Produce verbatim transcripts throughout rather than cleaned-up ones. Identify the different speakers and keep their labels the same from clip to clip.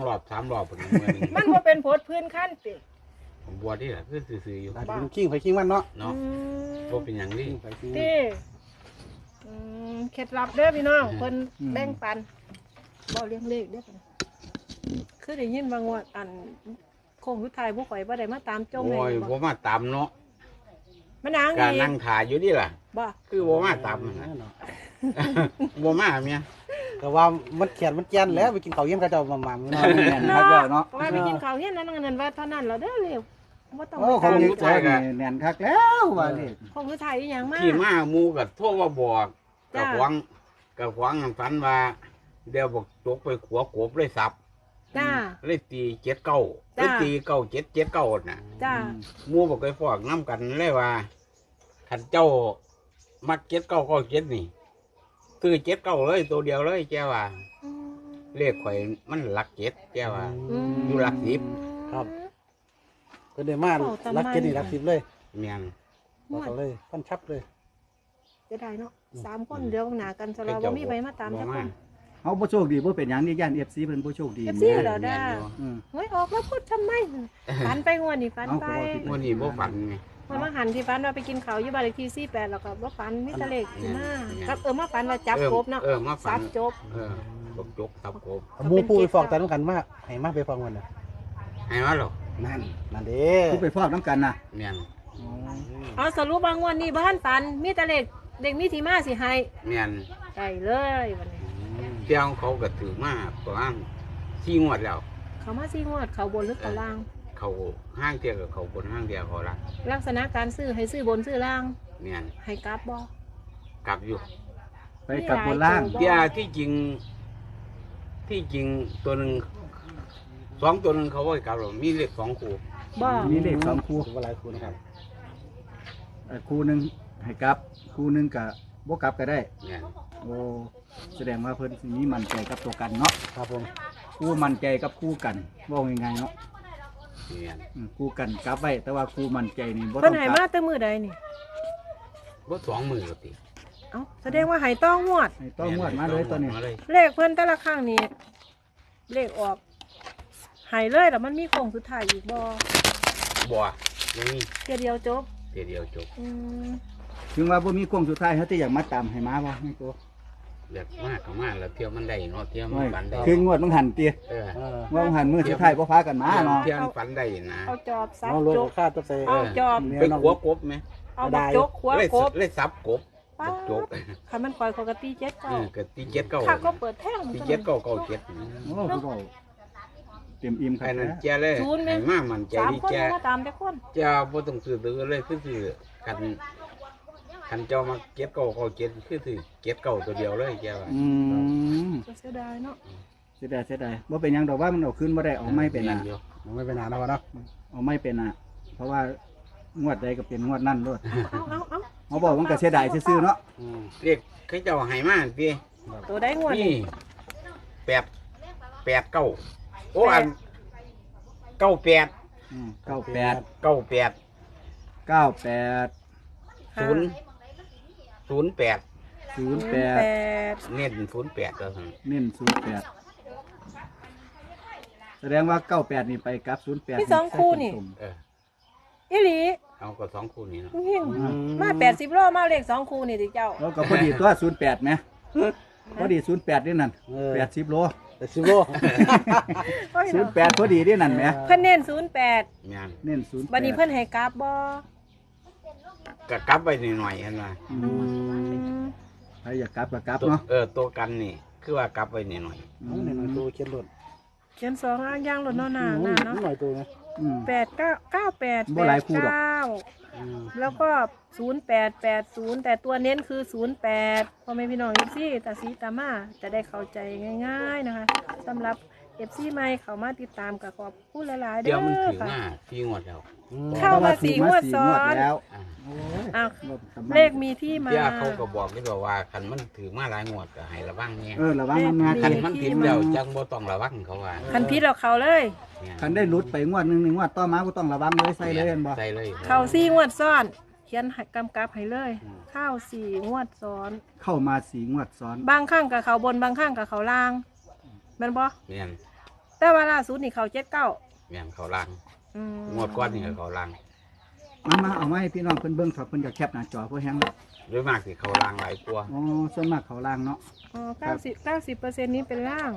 Speaker 1: รอบสามรอบเป็นมือนึง
Speaker 2: มันบ่เป็นโพดพื้นขั้นติ
Speaker 1: ผมบวชที่แหละคือซื่อๆอยู่
Speaker 3: อาจจะเป็นขิงไปขิงมันเนาะ
Speaker 1: เนาะบ่เป็นอย่างนี้
Speaker 3: ขิงไปขิง
Speaker 2: ติอืมเคล็ดลับเด้อพี่น้องเพิ่นแบ่งปันบ่เลี้ยงเลขเด้อคือได้ยินบางว่าอันโค้งสุดท้ายบ่ข่อยบ่ได้มาตามจม
Speaker 1: โอ้ย
Speaker 2: ให้
Speaker 1: บ่มาตามเนาะ
Speaker 2: มันนาง
Speaker 1: การ
Speaker 2: อี
Speaker 1: นั่งถ่ายอยู่นี่ล่ะ
Speaker 2: บ่
Speaker 1: คือบ่มาตามนะบ่มาเมีย
Speaker 3: ก็ว่ามันเขียนมันเจียนแล้วไปกินข้าวเยี่ยมกระเจ้ามาหม่ำเนาะแม่น
Speaker 2: เนา
Speaker 3: คักแล้วเนาะ
Speaker 2: ะว่าไปกินข้าวเฮียนนั้นนั่นว่าเท่านั้นแล้วเด้อเลยบ่ต้อง
Speaker 3: โอ้
Speaker 2: ไป
Speaker 3: ของ
Speaker 2: ตาม
Speaker 3: นี้ตัวนี่แน่นคักแล้วว่านี่
Speaker 2: โค้งสุดท้ายอีหยังมา
Speaker 1: ที่มาหมู่ก็โทรมาบอกกั
Speaker 2: จ้า
Speaker 1: บหวังกับหวังฝันว่าเดี๋ยวบอกตกไปขัวกบเลยสับ
Speaker 2: จ้า
Speaker 1: เลยตีเจ็ดเก้าเล
Speaker 2: จ้า
Speaker 1: ยตีเก้าเจ็ดเจ็ดเก้าน่ะ
Speaker 2: จ้า
Speaker 1: หมู่บอกไปฟอกน้ำกันเลยว่าขันเจ้ามักเจ็ดเก้าเก้าเจ็ดนี่คือเจ็ดเก้าเลยตัวเดียวเลยแกว่าเลขข่อยมันหลักเจ็ดแกว่า อยู่หลักสิบ
Speaker 3: ครับก็ได้มารักเจ็ดนี่รักสิบเลย
Speaker 1: เมียน
Speaker 3: บอกเขาเลยพันชับเลย
Speaker 2: จะได้เนาะสามคนเดียวหนากันสำหรับว่ามีไปมาตาม
Speaker 1: บ่
Speaker 2: จักค
Speaker 1: มาน
Speaker 4: เฮาบ่โชคดีบ่เป็นหยังนี่ย่าน เอฟ ซี เพิ่นบ่โชคดี
Speaker 2: เอฟซี
Speaker 4: แม่
Speaker 2: เหรอ ด้า
Speaker 4: อืม
Speaker 2: เฮ้ยออกแล้วพูดทำไมฝันไปงวดนี่ฝันไป
Speaker 1: วันนี้บ่ฝันไง
Speaker 2: มันมาหันที่ฝันว่าไปกินข้าวอยู่บ้านเลขที่สี่แปดแล้วก็ว่าฝันมิตรเลขที่หน้าครับเออมาฝันว่าจับกบเนาะ
Speaker 1: เออมาฝั
Speaker 2: ซั
Speaker 1: น
Speaker 2: บจบ
Speaker 1: เออจกจกตับกบ
Speaker 3: หมูปูไปฟอกแต่ต้องกันมากให้มากไปฟอกมันนะ
Speaker 1: ให้มาหรอ
Speaker 3: นั่นนั่นเด้
Speaker 4: ผู้ไปฟอกน้ำกันน่ะ
Speaker 1: เมียน
Speaker 2: เอาสรุปบางวันนี้บ้านฝันมีแต่เลขเด็กมีที่มาสิให้
Speaker 1: เมียน
Speaker 2: ได้เลยวันนี้
Speaker 1: เที่ยวเขาก็ถือมาประมาณสี่งวดแล้ว
Speaker 2: เขามาสี่งวดเขาบนหรือเขาล่าง
Speaker 1: เขาห้างเที่ยวกับเขาบนห้างเดียวเขาละ
Speaker 2: ลักษณะการซื้อให้ซื้อบนซื้อล่าง
Speaker 1: เมียน
Speaker 2: ให้กลับบ่
Speaker 1: กลับอยู่
Speaker 4: ไปกับบนล่าง
Speaker 2: บ่
Speaker 1: เที่ยที่จริง ที่จริงตัวหนึ่งสองตัวหนึ่งเขาว่าให้กลับหรอกมีเลขสองคู่
Speaker 2: บ่
Speaker 4: มีเลขสองคู่
Speaker 3: ถือว่าหลายคู่นะครับ
Speaker 4: เอ่อคู่หนึงให้กลับ คู่หนึงก็บ่กลับก็ได้
Speaker 1: เมียน
Speaker 4: โอ้แสดงว่าเพิ่นสิมีมั่นใจกับตัวกันเนาะ
Speaker 3: ครับผม
Speaker 4: คู่มั่นใจกับคู่กันเว้าง่ายๆเนาะ
Speaker 1: เมียน
Speaker 4: อืมคู่กันกลับไว้แต่ว่าคู่มั่นใจนี่บ่ต้
Speaker 2: เพิ่
Speaker 4: อน ง
Speaker 2: ให้
Speaker 4: ก
Speaker 2: มา
Speaker 4: ลับ
Speaker 2: แต่มือใดนี่
Speaker 1: ว่าสองมือก็ติ
Speaker 2: เอ้าแสดงว่าให้ต้องงวด
Speaker 4: ให้ต้องงวดมาเลยตัวนี้
Speaker 1: มาเลย
Speaker 2: เลขเพิ่นแต่ละครั้งนี่เลขออกใหายเลยแล้วมันมีโค้งสุดท้ายอีกบ่
Speaker 1: บัวยังมี
Speaker 2: เทียเดียวจบ
Speaker 1: เที่ยวเดียวจบ
Speaker 2: อืม
Speaker 4: ถึงว่าบ่มีโค้งสุดท้ายเฮาสิอยากมาตามให้มาบ่ให้ตัว
Speaker 1: เลือกมากก็มากแล้วเที่ยวมันได้เนาะเที่ยวมัน
Speaker 4: โอ้ย
Speaker 1: ฝันได้
Speaker 4: คืองวดมันหันติ
Speaker 1: เออ
Speaker 3: เออ
Speaker 4: ว่ามันหันมื้อสุดท้ายบ่พากันมาเนาะ
Speaker 1: เที่ยวมันฝันได้นะ
Speaker 2: เอาจอบซับ
Speaker 3: น้องรถ
Speaker 2: จบ
Speaker 3: ค่าตัวเซ่
Speaker 2: เอาจอบ
Speaker 1: ไปขัวกบไหม
Speaker 2: เอาบักจกขัว
Speaker 1: เลย
Speaker 2: กบ
Speaker 1: เลยซับกบ
Speaker 2: ป้า
Speaker 1: บักจก
Speaker 2: คันมันปล่อยเขาก็ตีเจ็ด
Speaker 1: เอ
Speaker 2: เก้า
Speaker 1: อก็ตีเจ็ดเก้า
Speaker 2: ข้าก็เปิดแท่ง
Speaker 1: ตีเจ็ดเก้าเก้าเจ็ด
Speaker 4: โอ้ผู้เว้าเต็มอิ่มครั
Speaker 1: ไอ้
Speaker 4: บ
Speaker 1: นั่น
Speaker 4: นะ
Speaker 1: แกเลยให้มามันใจ
Speaker 2: สาม
Speaker 1: ดี
Speaker 2: คน
Speaker 1: แก
Speaker 2: มาตามแต่คน
Speaker 1: เจ้าบ่ต้องซื้อตื้อเลยคือซื้อคันคันเจ้ามาเจ็ดเก้าเก้าเจ็ดคือซื้อเจ็ดเก้าตัวเดียวเลยแกว่า
Speaker 4: อืม
Speaker 2: เสียดายเนาะ
Speaker 4: เสียดายเสียดายบ่เป็นหยังดอกว่ามันเอาขึ้นบ่ได้เอาไม่เป็นอ่ะ
Speaker 1: อยู่
Speaker 3: มันไม่เป็นนานแล้ววะเนาะ
Speaker 4: เอาไม่เป็นอ่ะ เพราะว่างวดใดก็เป็นงวดนั่นด้วย
Speaker 2: เอาเอาเอา
Speaker 4: เขาบอกมันก็เสียดายซื่อๆเนาะ
Speaker 3: อืม
Speaker 1: เรียกเขาเจ้าให้มาพี่
Speaker 2: ตัวได้งวด
Speaker 1: นี่แปดแปดเก้าโอ้อันเก้าแปด
Speaker 4: อืมเก้าแปด
Speaker 1: เก้าแปด
Speaker 4: เก้าแปด
Speaker 1: ศูนย์ศูนย์แปด
Speaker 4: ศูนย์
Speaker 2: แป
Speaker 4: แปด
Speaker 2: ด
Speaker 1: เน้นศูนย์แปดแล้วสั่ง
Speaker 4: เน้นศูนย์แปดแสดงว่าเก้าแปดนี่ไปกับศูนย์แปด
Speaker 2: มีสองคู่นี่
Speaker 1: เออ
Speaker 2: อีหลี
Speaker 1: เอาก็สองคู่นี้เนาะ
Speaker 2: เฮียงมาแปดสิบโลมาเลขสองคู่นี่ติเจ้า
Speaker 4: แล้วก็พอดีตัวศูนย์แปดไหมพอดีศูนย์แปดนี่นั่นแปดสิบโล
Speaker 3: แต่ซิโร่
Speaker 4: ศูนย์แปดพอดีนี่นั่นไหม
Speaker 2: เพิ่นเน้นศูนย์แปด
Speaker 1: งาน
Speaker 4: เน้นศูนย์แป
Speaker 2: บัดนี้
Speaker 4: ด
Speaker 2: เพิ่นให้กราฟบ่
Speaker 1: ก็กลับไปหน่อยๆเห็นไหม
Speaker 4: อืมใครอยากกลับก็กลับ
Speaker 1: ตัว
Speaker 4: เนาะ
Speaker 1: เออตัวกันนี่คือว่ากลับไปหน่อย
Speaker 3: น้องหน่อยตัวเขียนรถ
Speaker 2: เขียนสองอ่างย่างรถเนาะหน้าหน้าเนาะ
Speaker 3: หน่อยตัวนะ
Speaker 4: อืม
Speaker 2: แปดเก้าเก้าแปด
Speaker 4: บ่
Speaker 2: แป
Speaker 4: หลาย
Speaker 2: ด
Speaker 4: คู่หรอก
Speaker 2: เก้า
Speaker 3: อืม
Speaker 2: แล้วก็ศูนย์แปดแปดศูนย์แต่ตัวเน้นคือศูนย์แปดพ่อแม่พี่น้องเอฟซีตาสีตามาจะได้เข้าใจง่ายๆนะคะสำหรับเอฟซีใหม่เขามาติดตามกับขอบคุณหลายๆ
Speaker 1: ๆ
Speaker 2: เด้
Speaker 1: เดี๋ยวมัน
Speaker 2: อ
Speaker 1: ถึง
Speaker 2: ค่ะ
Speaker 1: หน้าที่งวดแล้ว
Speaker 3: อืม
Speaker 2: เข้ามาสี่งวดซ้อน
Speaker 4: แล้ว
Speaker 1: อ่า
Speaker 4: โอ้ย
Speaker 2: อ้าว
Speaker 4: รถกำง
Speaker 2: เลขมีที่มา
Speaker 1: เดี๋ยวเขาก็บอกที่บอกว่าคันมันถือมาหลายงวดก็ให้ระวังเนี่ย
Speaker 4: เออระวังมันมา
Speaker 1: คัน
Speaker 4: ที
Speaker 1: มันผิดแล้วจังบ่ต้องระวังเขาว่า
Speaker 2: คันพิษเราเขาเลย
Speaker 1: เนี่ย
Speaker 4: คันได้หลุดไปงวดหนึ่งหนึ่งงวดต่อมาก็ต้องระวังเลยใส่เลยเห็นบ่
Speaker 1: ใส่เลย
Speaker 2: เข้าสี่งวดซ้อน เขียนให้กำกับให้เลยเข้าสี่งวดซ้อน
Speaker 4: เข้ามาสีงวดซ้อน
Speaker 2: บางข้างกับเขาบนบางข้างกับเขาล่างแมันบ่
Speaker 1: เนี่ย
Speaker 2: แต่ว่าล่าสุดนี่เขาเจ็ดเก้า
Speaker 1: แม่นเขาล่าง
Speaker 2: อืม
Speaker 1: งวดก้อนนี่ก็เขาล่าง
Speaker 4: มามาเอามาให้พี่น้องเพิ่นเบิ่งครับเพิ่นจะแคปหน้าจอเพื่อแฮงแล้ว
Speaker 1: โดยมากสิเขาล่างหลายกว่า
Speaker 4: อ๋อส่วนมากเขาล่างเนาะ
Speaker 2: อ๋อเก้าสิบเก้าสิบเปอร์เซ็นต์นี้เป็นล่าง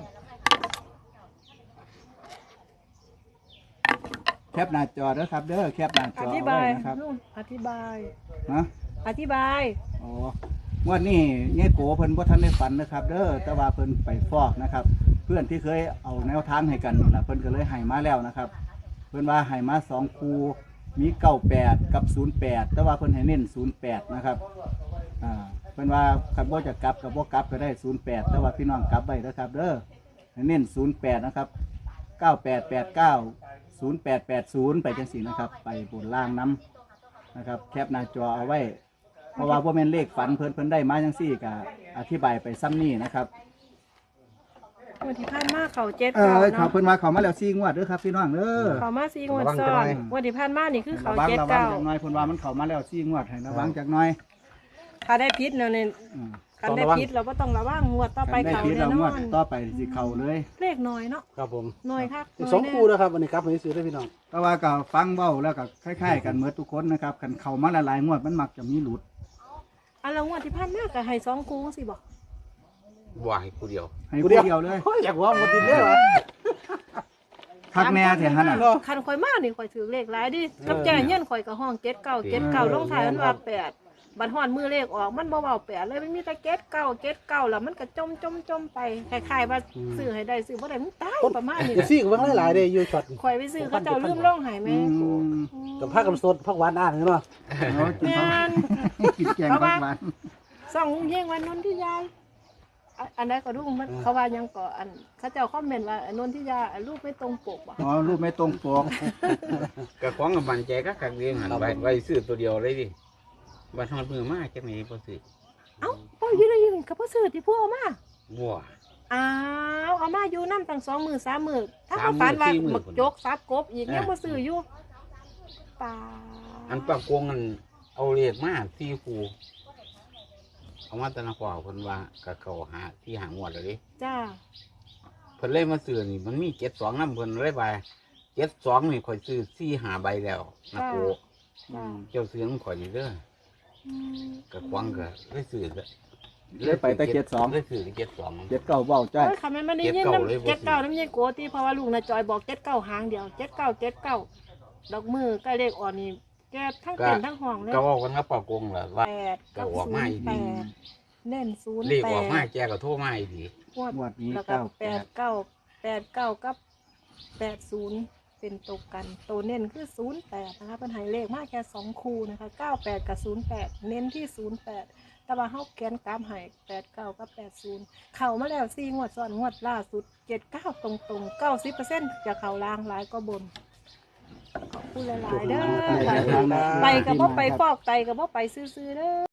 Speaker 4: แคปหน้าจอเด้อครับเด้อแคปหน้าจ
Speaker 2: อ
Speaker 4: อ
Speaker 2: ธิ
Speaker 4: ไว้
Speaker 2: บาย
Speaker 4: นะครับ
Speaker 2: นู่นอธิบาย
Speaker 4: ฮะ
Speaker 2: อธิบาย
Speaker 4: อ๋องวดนี้เงี้ยโกเพิ่นบ่ทันได้ฝันนะครับ เด้อแต่ว่าเพิ่นไปฟอกนะครับ เพื่อนที่เคยเอาแนวทางให้กันนี่ล่ะเพิ่นก็เลยให้มาแล้วนะครับ เพิ่นว่าให้มาสองคู่มีเก้าแปดกับศูนย์แปดแต่ว่าเพิ่นให้เน้นศูนย์แปดนะครับอ่าเพิ่นว่าคันบ่จะกลับกับบ่กลับก็ได้ศูนย์แปดแต่ว่าพี่น้องกลับไว้เด้อครับ เด้อให้เน้นศูนย์แปดนะครับเก้าแปดแปดเก้า ศูนย์แปดแปดศูนย์ไปจังซี่นะครับ ไปบนล่างน้ำนะครับ แคปหน้าจอเอาไว้ เพราะว่าบ่แม่นเลขฝันเพิ่นเพิ่นได้มาจังซี่ก็อธิบายไปซ้ำนี่นะครับ
Speaker 2: วันที่ผ่านมาเขาเจ็ด
Speaker 4: เอ
Speaker 2: เก้า
Speaker 4: อเขา
Speaker 2: เนาะ
Speaker 4: เพิ่นมาเขามาแล้วสี่งวดเด้อครับพี่น้องเด้อ
Speaker 2: เขามาสี่งวดซ้อนวันที่ผ่านมานี่คือเขา
Speaker 4: ระวัง
Speaker 2: เจ็ด
Speaker 4: ระวัง
Speaker 2: เก้า
Speaker 4: จักหน่อยเพิ่นว่ามันเข้ามาแล้วสี่งวดให้ระวังจักหน่อย
Speaker 2: ถ้าได้พิษเนาะเนี่ย
Speaker 4: อืม
Speaker 2: คันได้พิษเราก็ต้องระวังงวดต่อไป
Speaker 4: ได้
Speaker 2: เขา
Speaker 4: ผิด
Speaker 2: แน่
Speaker 4: แล้ว
Speaker 2: น
Speaker 4: งว
Speaker 2: อ
Speaker 4: ด
Speaker 2: น
Speaker 4: ต่อไปสิเข้าเลย
Speaker 2: เลขน้อยเนาะ
Speaker 3: ครับผม
Speaker 2: น้อยครับ
Speaker 3: สองคู่นะครับวันนี้ครับให้ซื้อได้พี่น้อง
Speaker 4: แต่ว่าก็ฟังเว้าแล้วก็คล้ายๆกันเหมือนทุกคนนะครับคันเข้ามาหลายๆงวดมันมักจะมีหลุด
Speaker 2: อันละงวดที่ผ่านมาก็ให้สองคู่สิบอก
Speaker 1: ว่าให้ผู้เดียว
Speaker 4: ให้ผู้เดียวเลย
Speaker 3: โอ้ยอยากว่าหมดดินเลยวะ
Speaker 4: พักแน่แท้หั่นน่ะ
Speaker 2: คันข่อยมานี่ข่อยถือเลขหลายดิกับแจ้เงี้ยนข่อยก็ห้องเจ็ดเก้าเจ็ดเก้าลงท้ายมันว่าแปดบัดฮอดมือเลขออกมันบ่เว้าแปดเลยมันมีแต่เจ็ดเก้าเจ็ดเก้าแล้วมันก็จมจมจมไปคล้ายๆว่าซื้อให้ได้ซื้อบ่ได้มึงตายประมาณนี้
Speaker 3: เอฟซีก็เบิ่งหลายๆเด้อยู่ช็อต
Speaker 2: ข่อยไปซื้อเขาเจ้าลืมลงให้แม่
Speaker 4: อืม
Speaker 3: กับผักกับสดผักหวานอ่านเนาะ
Speaker 4: เนาะกิน
Speaker 2: แม่
Speaker 4: ผัก
Speaker 2: น
Speaker 4: กินแกงผักหวาน
Speaker 2: ส่องเฮงวันนนที่ยายอะอันใดก็ดูมันเขาว่ายังก่ออันเขาเจ้าคอมเมนต์ว่าอันนนที่ยาอันรูปไม่ตรงปกบ่
Speaker 4: อ๋อรูปไม่ตรงปก
Speaker 1: ก็ของกับมันใจก็ขักเรียงหันไว้ไว้ซื้อตัวเดียวเลยดิบัดฮอดมือมาจังไหนบ่ซื้อ
Speaker 2: เอ้าพ่ออยู่ได้ยินกับพ่อซื้อที่พ่อเอามา
Speaker 1: บัว
Speaker 2: อ้าวเอามาอยู่น้ำตั้งสองมือสามมือถ้า
Speaker 1: สา
Speaker 2: เขา
Speaker 1: มมื้อ
Speaker 2: ฝันว่า
Speaker 1: สี่มื้อ
Speaker 2: หมึกจกซับกบอีก
Speaker 1: เออ
Speaker 2: ยังมาซื้ออยู่ป่า
Speaker 1: อันปากกวงอันเอาเลขมาที่ครูเอามาแตะนครเพิ่นว่าก็เขาหาที่หางวดแล้วดิ
Speaker 2: จ้า
Speaker 1: เพิ่นเลยมาซื้อนี่มันมีเจ็ดสองน้ำเพิ่นเลยไปเจ็ดสองนี่ข่อยซื้อสี่หาใบแล้วนะโก
Speaker 2: จ้า
Speaker 1: เจ้าซื้อน้ำข่อยนี่เด้อ
Speaker 2: อืม
Speaker 1: ก็ควงก็เลยซื้อก็
Speaker 4: เลยไปแต่เจ็ดสอง
Speaker 1: เลยซื้อเจ็ดสอง
Speaker 4: เจ็ดเก้าเบ้าจ้อย
Speaker 2: โอ้ยคำนั้นมันได้ยิน
Speaker 1: เจ็ดเก้าเลย
Speaker 2: น้ำ
Speaker 1: บ่
Speaker 2: เจ็ดเก้าน้ำยี่โกตีเพราะว่าลูกนะจอยบอกเจ็ดเก้าหางเดียวเจ็ดเก้าเจ็ดเก้าดอกมือใกล้เลขอ่อนนี่แกทั้งเต็นทั้งห้องเลย
Speaker 1: ก็เว่ากันกับปากกวงแหละว่า
Speaker 2: แปด
Speaker 1: ก็
Speaker 2: กับ
Speaker 1: ออก
Speaker 2: ศู
Speaker 1: มาน
Speaker 2: ย์
Speaker 1: อีก
Speaker 2: แปดเน่นศูนย์
Speaker 1: เลข
Speaker 2: แป
Speaker 1: ออกมา
Speaker 2: ด
Speaker 1: แกก็โทรมาอีกดี
Speaker 2: งวด
Speaker 4: งวดนี้
Speaker 2: แล้วก็
Speaker 4: เก้า
Speaker 2: แปดเก้าแปดเก้ากับแปดศูนย์เป็นตัวกันตัวเน้นคือศูนย์แปดนะคะเป็นใหายเลขมากแค่สองคู่นะคะเก้าแปดกับศูนย์แปดเน้นที่ศูนย์แปดแต่ว่าเฮาแกนกรามใหายแปดเก้ากับแปดศูนย์เข่ามาแล้วสี่งวดซ้อนงวดล่าสุดเจ็ดเก้าตรงตรงเก้าสิบเปอร์เซ็นต์จะเข่าล่างหลายก็บนขอบคุณหลายๆเด้อค่ะไปกับพ่ไปฟอกไตกับพ่ไปซื้อๆเด้อ